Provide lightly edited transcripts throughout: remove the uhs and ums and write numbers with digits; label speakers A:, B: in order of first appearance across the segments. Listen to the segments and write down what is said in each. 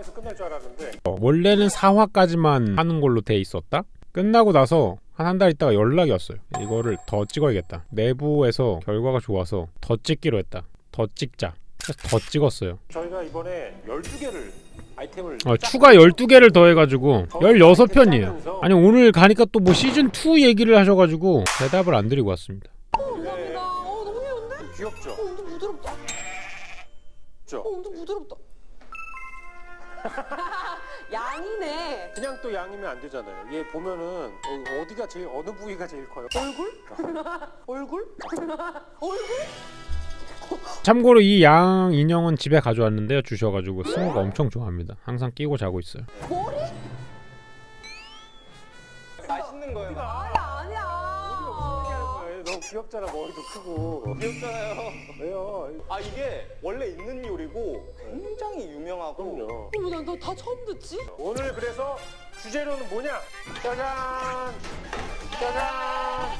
A: 4화에서 끝날 줄 알았는데
B: 원래는 4화까지만 하는 걸로 돼 있었다? 끝나고 나서 한 달 있다가 연락이 왔어요. 이거를 더 찍어야겠다. 내부에서 결과가 좋아서 더 찍기로 했다. 더 찍자. 그래서 더 찍었어요.
A: 저희가 이번에 12개를 아이템을
B: 추가 12개를 더해가지고 16편이에요. 아니 오늘 가니까 또 뭐 시즌2 얘기를 하셔가지고 대답을 안 드리고 왔습니다.
C: 감사합니다. 너무 귀여운데?
A: 귀엽죠?
C: 엄청 부드럽다.
A: 그렇죠?
C: 엄청 부드럽다. 양이네.
A: 그냥 또 양이면 안 되잖아요. 얘 보면은 어디가 제일 어느 부위가 제일 커요?
C: 얼굴? 얼굴? 얼굴?
B: 참고로 이 양 인형은 집에 가져왔는데요. 주셔가지고 승우가 엄청 좋아합니다. 항상 끼고 자고 있어요.
C: 머리?
D: 맛있는 거예요.
C: 아니야.
A: 너무 귀엽잖아. 머리도 크고.
D: 귀엽잖아요.
A: 왜요?
D: 아 이게 원래 있는 요리고 굉장히 유명하고.
A: 그럼요.
C: 난다 처음 듣지?
A: 오늘 그래서 주제로는 뭐냐? 짜잔! 짜잔!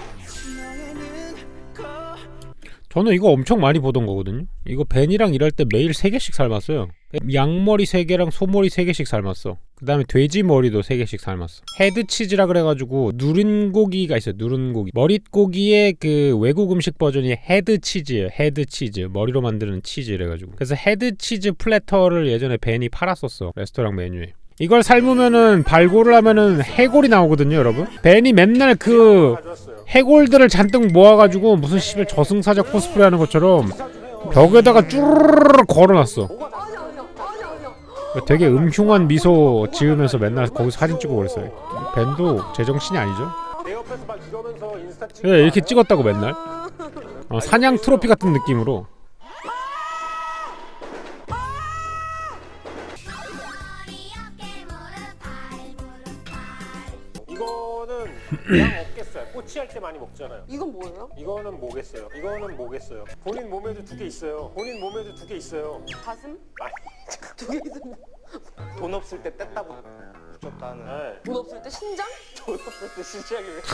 B: 저는 이거 엄청 많이 보던 거거든요. 이거 벤이랑 일할 때 매일 3개씩 삶았어요. 양머리 3개랑 소머리 3개씩 삶았어. 그 다음에 돼지 머리도 3개씩 삶았어. 헤드치즈라 그래가지고 누른 고기가 있어요. 누른 고기. 머릿고기의 그 외국 음식 버전이 헤드치즈예요. 헤드치즈. 머리로 만드는 치즈 이래가지고. 그래서 헤드치즈 플래터를 예전에 벤이 팔았었어. 레스토랑 메뉴에. 이걸 삶으면은 발골을 하면은 해골이 나오거든요, 여러분. 벤이 맨날 그
A: 가져왔어요.
B: 해골들을 잔뜩 모아가지고 무슨 씨발 저승사자 코스프레 하는 것처럼 벽에다가 쭈르르르 걸어놨어.
C: 아니야.
B: 되게 음흉한 미소 지으면서 맨날 거기서 사진 찍고 그랬어요. 벤도 제정신이 아니죠?
A: 내 옆에서 막 이러면서 인스타 찍고
B: 네, 이렇게 찍었다고 맨날. 사냥 트로피 같은 느낌으로.
A: 이거는 양 없겠어요. 꼬치할 때 많이 먹잖아요.
C: 이건 뭐예요?
A: 이거는 뭐겠어요? 이거는 뭐겠어요? 본인 몸에도 2개 있어요. 본인 몸에도 2개 있어요.
C: 가슴?
A: 아니,
C: 두 개 있으면
D: 돈 없을 때 뗐다 붙였다는.
A: 네.
C: 돈 없을 때 신장?
D: 돈 없을 때 시작이 왜?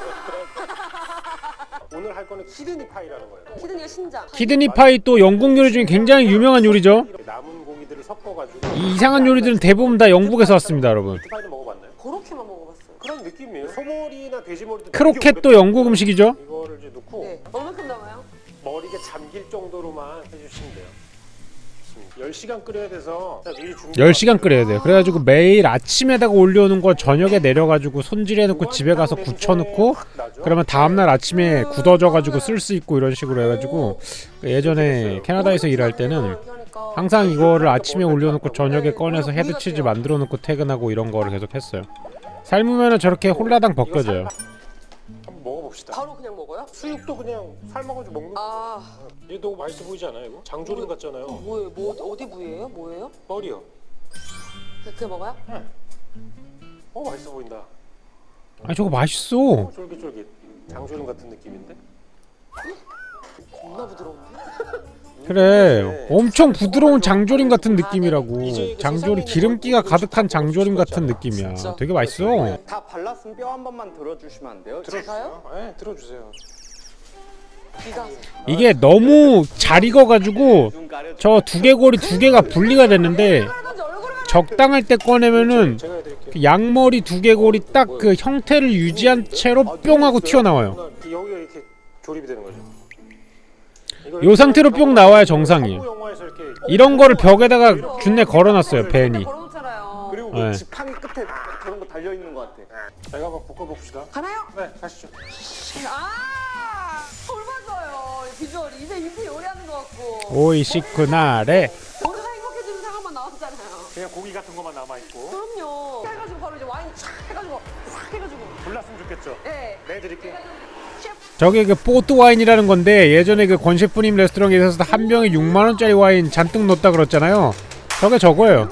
A: 오늘 할 거는 키드니 파이라는 거예요.
C: 키드니가 신장.
B: 키드니 파이 또 영국 요리 중에 굉장히 유명한 요리죠.
A: 이렇게 남은 고기들을 섞어가지고
B: 이 이상한 요리들은 대부분 다 영국에서 왔습니다, 여러분.
A: 파이는 먹어봤나요?
C: 그렇게만 먹어봤어요.
A: 그런 느낌이에요. 소머리나 돼지머리도
B: 크로켓도 영국 음식이죠.
A: 이거를 이제 넣고
C: 네. 얼마큼 남아요?
A: 머리가 잠길 정도로만 해주시면 돼요. 10시간 끓여야 돼서 미리 준비.
B: 10시간 끓여야 돼요. 그래가지고 매일 아침에다가 올려오는 거 저녁에 내려가지고 손질해놓고 집에 가서 굳혀놓고 그러면 다음날 아침에 굳어져가지고 쓸 수 있고 이런 식으로 해가지고 예전에 캐나다에서 일할 때는 항상 이거를 아침에 올려놓고 저녁에 꺼내서 헤드치즈 만들어놓고 퇴근하고 이런 거를 계속 했어요. 삶으면은 저렇게 홀라당 벗겨져요.
A: 한번 먹어봅시다.
C: 바로 그냥 먹어요?
A: 수육도 그냥 삶아가지고 먹는 거.
C: 아,
A: 얘 너무 맛있어 보이지 않아요? 이거? 장조림 같잖아요.
C: 뭐예요? 어디 부위예요? 뭐예요?
A: 머리요.
C: 그렇게 먹어요?
A: 맛있어 보인다.
B: 아니 저거 맛있어.
A: 쫄깃쫄깃. 장조림 같은 느낌인데?
C: 겁나 부드러운데?
B: 그래 엄청 부드러운 장조림 같은 느낌이라고. 장조림 기름기가 가득한 장조림 같은 느낌이야. 되게 맛있어.
D: 다 발랐으면 뼈 한 번만 들어주시면 안 돼요?
A: 들어주세요. 네, 들어주세요.
C: 귀가
B: 이게 너무 잘 익어가지고
D: 눈 가려.
B: 저 두개골이 2개가 분리가 됐는데 적당할 때 꺼내면은
A: 제가 해드릴게요.
B: 그 양머리 두개골이 딱 그 형태를 유지한 채로 뿅 하고 튀어나와요.
A: 여기가 이렇게 조립이 되는 거죠.
B: 요 상태로 뿅 나와야 정상이에요.
A: 영화에서 이렇게
B: 이런 거를 벽에다가 준내 걸어놨어요 벤이.
C: 걸어놓잖아요.
D: 그리고
B: 네.
D: 그 지팡이 끝에 그런 거 달려 있는 것 같아.
A: 제가 한번 볶아봅시다.
C: 가나요?
A: 네, 가시죠.
C: 아, 닮았어요. 비주얼이 입에 요리하는 것 같고.
B: 오이시쿠나레.
C: 오늘가 행복해지는 상황만 나왔잖아요.
A: 그냥 고기 같은 것만 남아있고.
C: 그럼요. 해가지고 바로 이제 와인 촥 해가지고 싹 해가지고.
A: 불났으면 좋겠죠.
C: 네.
A: 내드릴게요.
B: 저게 그 포트 와인이라는 건데 예전에 그 권 셰프님 레스토랑에서 한 병에 6만 원짜리 와인 잔뜩 넣었다 그랬잖아요. 저게 저거예요.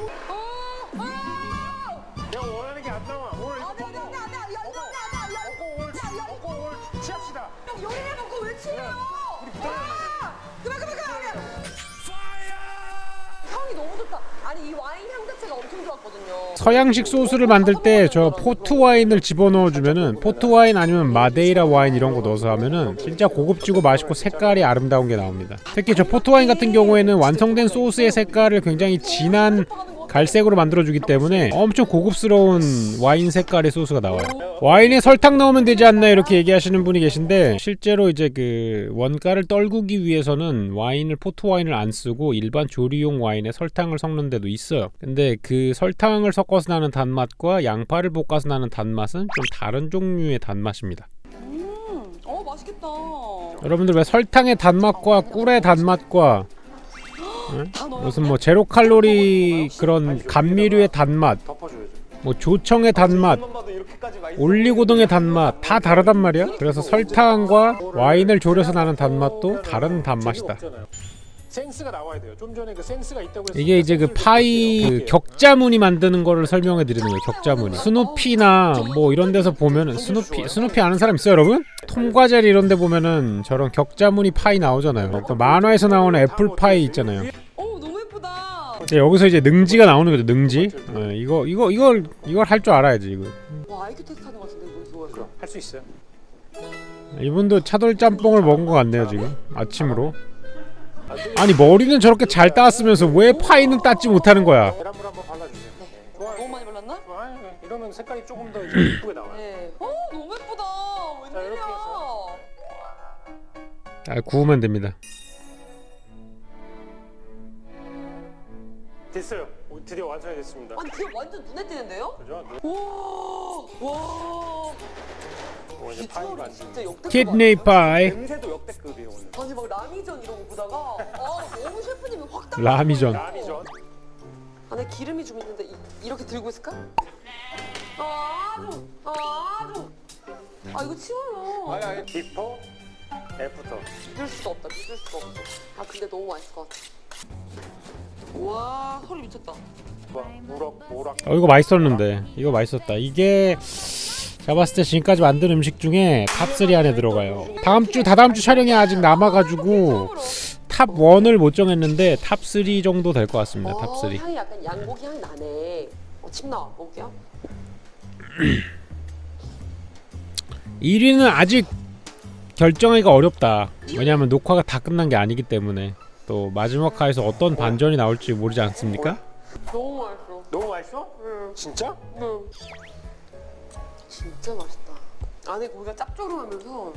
A: 내가 원하는 게 안 나와. 오늘 이거
C: 안돼
A: 먹고.
C: 안돼
A: 먹고 오늘 취합시다.
C: 요리를 먹고 왜 치래요? 그만. 향이 너무 좋다. 아니 이 와인 향 자체가 엄청 좋았거든요.
B: 서양식 소스를 만들 때 저 포트 와인을 집어넣어 주면은 포트 와인 아니면 마데이라 와인 이런 거 넣어서 하면은 진짜 고급지고 맛있고 색깔이 아름다운 게 나옵니다. 특히 저 포트 와인 같은 경우에는 완성된 소스의 색깔을 굉장히 진한 갈색으로 만들어주기 때문에 엄청 고급스러운 와인 색깔의 소스가 나와요. 와인에 설탕 넣으면 되지 않나 이렇게 얘기하시는 분이 계신데 실제로 이제 그 원가를 떨구기 위해서는 포트 와인을 안 쓰고 일반 조리용 와인에 설탕을 섞는 데도 있어요. 근데 그 설탕을 섞어서 나는 단맛과 양파를 볶아서 나는 단맛은 좀 다른 종류의 단맛입니다.
C: 맛있겠다.
B: 여러분들 왜 설탕의 단맛과 꿀의 단맛과 무슨 뭐 제로 칼로리 그런 감미료의 단맛,
A: 덮어줘야죠.
B: 뭐 조청의 단맛, 올리고등의 단맛 다 다르단 말이야. 그래서 설탕과 와인을 졸여서 나는 단맛도 다른 단맛이다.
A: 센스가 나와야 돼요. 좀 전에 그 센스가 있다고 했어요.
B: 이게 이제 그 파이 그 격자무늬 만드는 거를 설명해 드리는 거예요. 격자무늬. 스누피나 뭐 이런 데서 보면은 스누피 아는 사람 있어요, 여러분? 톰과 제리 이런 데 보면은 저런 격자무늬 파이 나오잖아요. 또 만화에서 나오는 애플 파이 있잖아요.
C: 너무 예쁘다.
B: 이제 여기서 이제 능지가 나오는 거죠. 능지. 이걸 할 줄 알아야지 이거.
C: 와 IQ 테스트 하는 것 같은데 이거
A: 할 수 있어요.
B: 이분도 차돌 짬뽕을 먹은 것 같네요 지금 아침으로. 아니 머리는 저렇게 잘 따왔으면서 왜 파이는 따지 못하는 거야?
A: 계란물 한번 발라주세요. 좋아요.
C: 너무 많이 발랐나?
A: 좋아요. 이러면 색깔이 조금 더 이쁘게 나와요.
C: 네. 너무 예쁘다.
A: 자, 이렇게
C: 웬일이야?
B: 아, 구우면 됩니다.
A: 됐어요. 드디어 완성이 됐습니다.
C: 아니 그게 완전 눈에 띄는데요?
A: 그죠?
C: 와.
A: 이제 파이
C: 비주얼이
A: 만지.
C: 진짜 역대급.
B: 키드니 파이.
D: 냄새도 역대급이에요 오늘.
C: 아니 막 라미전 이런 거 보다가 너무 셰프님이 확 딱.
B: 라미전.
A: 라미전.
C: 안에 기름이 좀 있는데 이렇게 들고 있을까? 아주. 이거 치워요.
D: 아니
A: 비포, 애프터.
C: 믿을 수가 없다. 근데 너무 맛있을 것 같아. 와 소리 미쳤다.
A: 모락.
B: 이거 맛있었는데 이거 맛있었다. 이게 제가 봤을 때 지금까지 만든 음식 중에 탑3 안에 들어가요. 다다음 주 촬영이 아직 남아가지고 탑 1을 못 정했는데 탑 3 정도 될 것 같습니다. 탑 3.
C: 향이 약간 양고기 향이 나네. 침 나와. 먹을게요.
B: 1위는 아직 결정하기가 어렵다. 왜냐하면 녹화가 다 끝난 게 아니기 때문에 또 마지막 화에서 어떤 반전이 나올지 모르지 않습니까?
C: 너무 맛있어.
A: 너무 맛있어?
C: 응.
A: 진짜?
C: 응. 진짜 맛있다. 안에 고기가 짭조름하면서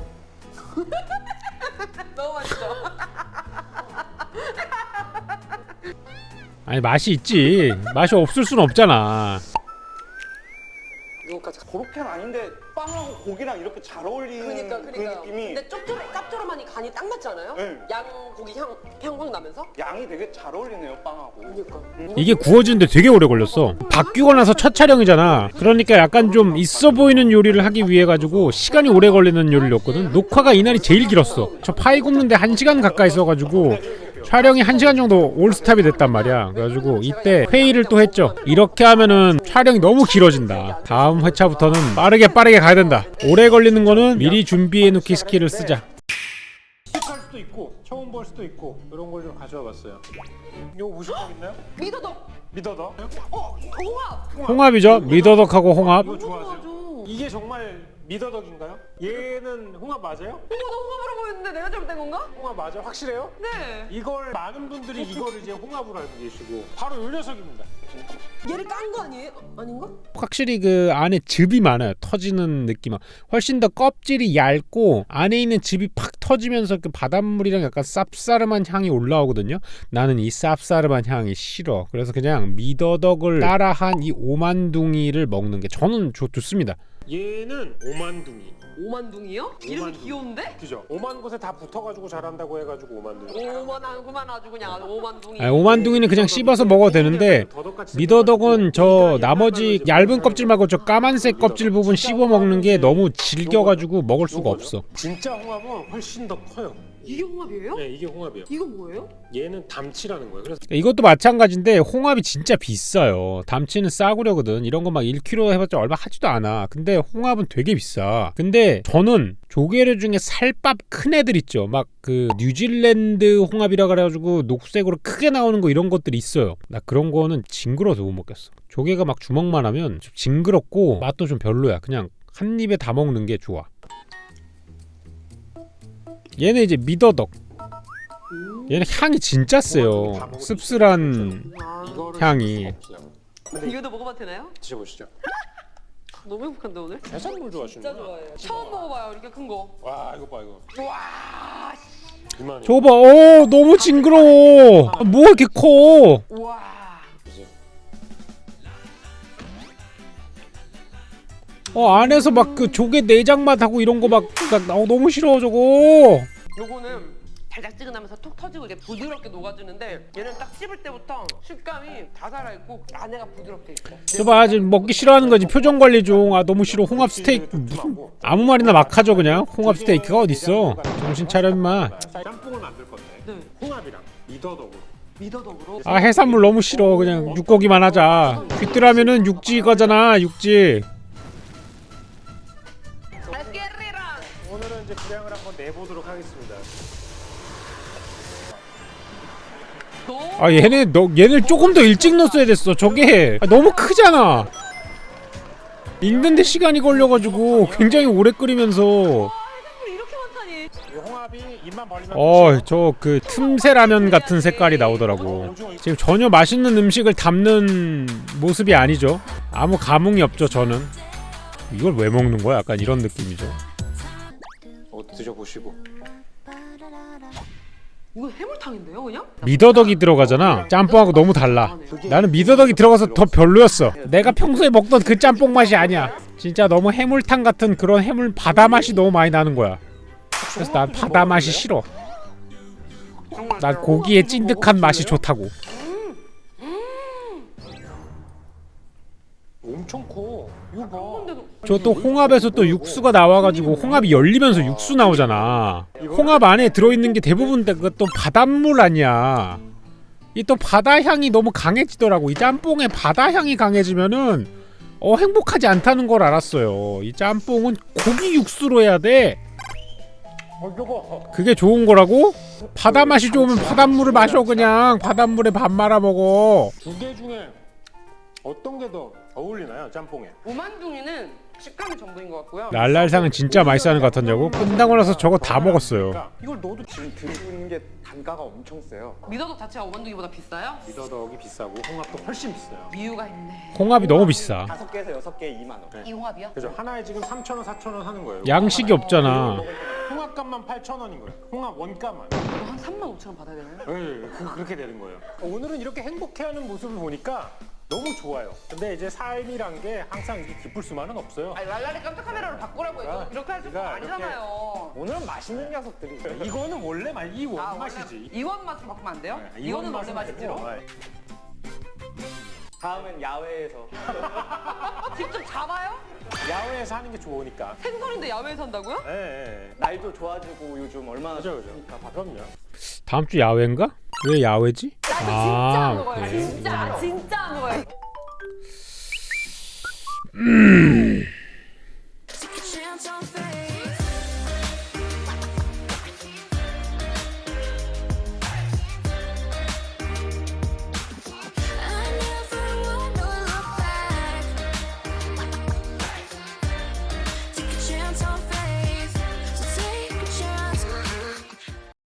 C: 너무 맛있어.
B: 아니 맛이 있지. 맛이 없을 순 없잖아.
C: 이거까지.
D: 고로케는 아닌데 빵하고 고기랑 이렇게 잘 어울리는
C: 그러니까.
D: 그 느낌이.
C: 근데 짭조름하니 간이 딱 맞지 않아요?
D: 네.
C: 양고기 향 확 나면서.
D: 양이 되게 잘 어울리네요 빵하고.
C: 그러니까.
B: 이게 구워지는데 되게 오래 걸렸어. 바뀌고 나서 첫 촬영이잖아. 그러니까 약간 좀 있어 보이는 요리를 하기 위해 가지고 시간이 오래 걸리는 요리였거든. 녹화가 이날이 제일 길었어. 저 파이 굽는데 1시간 가까이 써가지고 촬영이 1시간 정도 올스탑이 됐단 말이야. 그래가지고 이때 회의를 또 했죠. 이렇게 하면은 촬영이 너무 길어진다. 다음 회차부터는 빠르게 가야 된다. 오래 걸리는 거는 미리 준비해놓기 스킬을 쓰자.
A: 할 수도 있고 처음 볼 수도 있고 이런 걸 좀 가져와 봤어요. 이거 보실 거 있나요?
C: 미더덕.
A: 미더덕.
C: 홍합.
B: 홍합이죠. 미더덕하고 홍합.
A: 이거 좋아하세요?
C: 좋아하죠.
A: 이게 정말 미더덕인가요? 얘는 홍합 맞아요?
C: 나 홍합으로 보였는데 내가 잘못된 건가?
A: 홍합 맞아? 확실해요?
C: 네.
A: 이걸 많은 분들이 이거를 이제 홍합으로 알고 계시고 바로 요 녀석입니다.
C: 얘를 깐 거 아니에요? 아닌가?
B: 확실히 그 안에 즙이 많아요. 터지는 느낌. 훨씬 더 껍질이 얇고 안에 있는 즙이 팍 터지면서 그 바닷물이랑 약간 쌉싸름한 향이 올라오거든요. 나는 이 쌉싸름한 향이 싫어. 그래서 그냥 미더덕을 따라한 이 오만둥이를 먹는 게 저는 좋습니다.
A: 얘는 오만둥이.
C: 오만둥이요? 이름이
A: 오만둥이.
C: 귀여운데?
A: 그죠? 오만 곳에 다 붙어가지고 자란다고 해가지고 오만둥이.
C: 오만하구만 아주 그냥 아주 오만둥이.
B: 오만둥이는 그냥 씹어서 먹어도 되는데 미더덕은 저 나머지 얇은 껍질 말고 저 까만색 껍질 부분 씹어 먹는 게 너무 질겨가지고 먹을 수가 없어.
A: 진짜 홍합은 훨씬 더 커요.
C: 이게 홍합이에요?
A: 네, 이게 홍합이에요.
C: 이건 뭐예요?
A: 얘는 담치라는 거예요. 그래서
B: 이것도 마찬가지인데 홍합이 진짜 비싸요. 담치는 싸구려거든. 이런 거 막 1kg 해봤자 얼마 하지도 않아. 근데 홍합은 되게 비싸. 근데 저는 조개류 중에 살밥 큰 애들 있죠. 막 그 뉴질랜드 홍합이라 그래가지고 녹색으로 크게 나오는 거 이런 것들이 있어요. 나 그런 거는 징그러워서 못 먹겠어. 조개가 막 주먹만 하면 좀 징그럽고 맛도 좀 별로야. 그냥 한 입에 다 먹는 게 좋아. 얘는 이제 미더덕. 얘는 향이 진짜 세요. 씁쓸한
A: 이거를
B: 향이.
A: 쓸 수가 없어요.
C: 이거도 먹어봐도 되나요?
A: 드셔보시죠.
C: 너무 행복한데 오늘?
A: 해산물 좋아하시는구나.
C: 진짜 좋아해요. 처음 먹어봐요 이렇게 큰 거.
A: 와 이거 봐 이거.
C: 와.
A: 이만해.
B: 저거 봐. 너무 징그러워. 뭐 이렇게 커?
C: 와.
A: 보세요.
B: 안에서 막 그 조개 내장 맛하고 이런 거 막 너무 싫어 저거.
C: 요거는 달짝지근하면서 톡 터지고 이게 부드럽게 녹아주는데 얘는 딱 씹을 때부터 식감이 다 살아있고 안에가 부드럽게 있어.
B: 저봐 지금 먹기 싫어하는 거지. 표정 관리 중. 너무 싫어. 홍합 스테이크 무슨 아무 말이나 막 하죠 그냥. 홍합 스테이크가 어딨어. 정신 차려 임마.
A: 짬뽕을 만들 건데
C: 네.
A: 홍합이랑 미더덕으로.
C: 미더덕으로.
B: 해산물 너무 싫어. 그냥 육고기만 하자. 귀뚜라면은 육지 거잖아. 육지.
C: 알게리랑.
A: 오늘은 이제 분량을 한번 내보도록 하겠습니다.
B: 얘네 조금 더 일찍 넣었어야 됐어. 저게 너무 크잖아. 익는데 시간이 걸려가지고 굉장히 오래 끓이면서.
C: 해산물이 이렇게 많다니.
A: 이 홍합이 입만 벌리면
B: 저 그 틈새 라면 같은 색깔이 나오더라고. 지금 전혀 맛있는 음식을 담는 모습이 아니죠. 아무 감흥이 없죠 저는. 이걸 왜 먹는 거야? 약간 이런 느낌이죠.
A: 드셔보시고.
C: 이거 해물탕인데요 그냥?
B: 미더덕이 들어가잖아. 짬뽕하고 너무 달라. 나는 미더덕이 들어가서 더 별로였어. 내가 평소에 먹던 그 짬뽕 맛이 아니야. 진짜 너무 해물탕 같은 그런 해물 바다 맛이 너무 많이 나는 거야. 그래서 난 바다 맛이 싫어. 난 고기의 찐득한 맛이 좋다고.
A: 엄청 커. 이거 봐.
B: 저 또 홍합에서 또 육수가 나와가지고 홍합이 열리면서 육수 나오잖아. 홍합 안에 들어있는 게 대부분 또 바닷물 아니야. 이 또 바다 향이 너무 강해지더라고. 이 짬뽕에 바다 향이 강해지면은 행복하지 않다는 걸 알았어요. 이 짬뽕은 고기 육수로 해야 돼.
A: 이거
B: 그게 좋은 거라고? 바다 맛이 좋으면 바닷물을 마셔 그냥. 바닷물에 밥 말아 먹어.
A: 두 개 중에 어떤 게 더 어울리나요? 짬뽕에.
C: 오만둥이는 식감이 전부인 것 같고요.
B: 랄랄상은 진짜 맛있어하는 것 같았냐고? 끝나고 나서 저거 다 먹었어요.
A: 그러니까 이걸 넣어도
D: 지금 드시는 게 단가가 엄청 세요.
C: 미더덕 자체가 오만둥이보다 비싸요?
A: 미더덕이 비싸고 홍합도 훨씬 비싸요.
C: 이유가 있네.
B: 홍합이 너무 비싸.
D: 5개에서 6개 2만 원.
C: 이 홍합이요?
A: 그죠? 하나에 지금 3,000원, 4,000원 하는 거예요.
B: 양식이 없잖아.
A: 홍합값만 8,000원인 거예요. 홍합 원가만.
C: 이거 한 35,000원 받아야 되나요?
A: 네, 그렇게 되는 거예요. 오늘은 이렇게 행복해하는 모습을 보니까 너무 좋아요. 근데 이제 삶이란 게 항상 이렇게 기쁠 수만은 없어요.
C: 아니 랄랄이 깜짝 카메라로 바꾸라고 해도 이렇게 할 수가 아니잖아요.
D: 오늘은 맛있는 녀석들이.
A: 이거는 원래 이 원맛이지.
C: 이원 맛으로 바꾸면 안 돼요?
A: 네,
C: 이거는
A: 맛은
C: 원래 맛이지로?
A: 아니고, 네.
D: 다음엔 야외에서.
C: 직접 잡아요?
A: 야외에서 하는 게 좋으니까.
C: 생선인데 야외에서 한다고요?
A: 예, 예.
D: 날도 좋아지고 요즘 얼마나
A: 그죠,
D: 좋으니까.
A: 그럼요.
B: 다음 주 야외인가? 왜 야외지?
C: 진짜 안 먹어요.
B: 오케이.
C: 진짜 안 먹어요.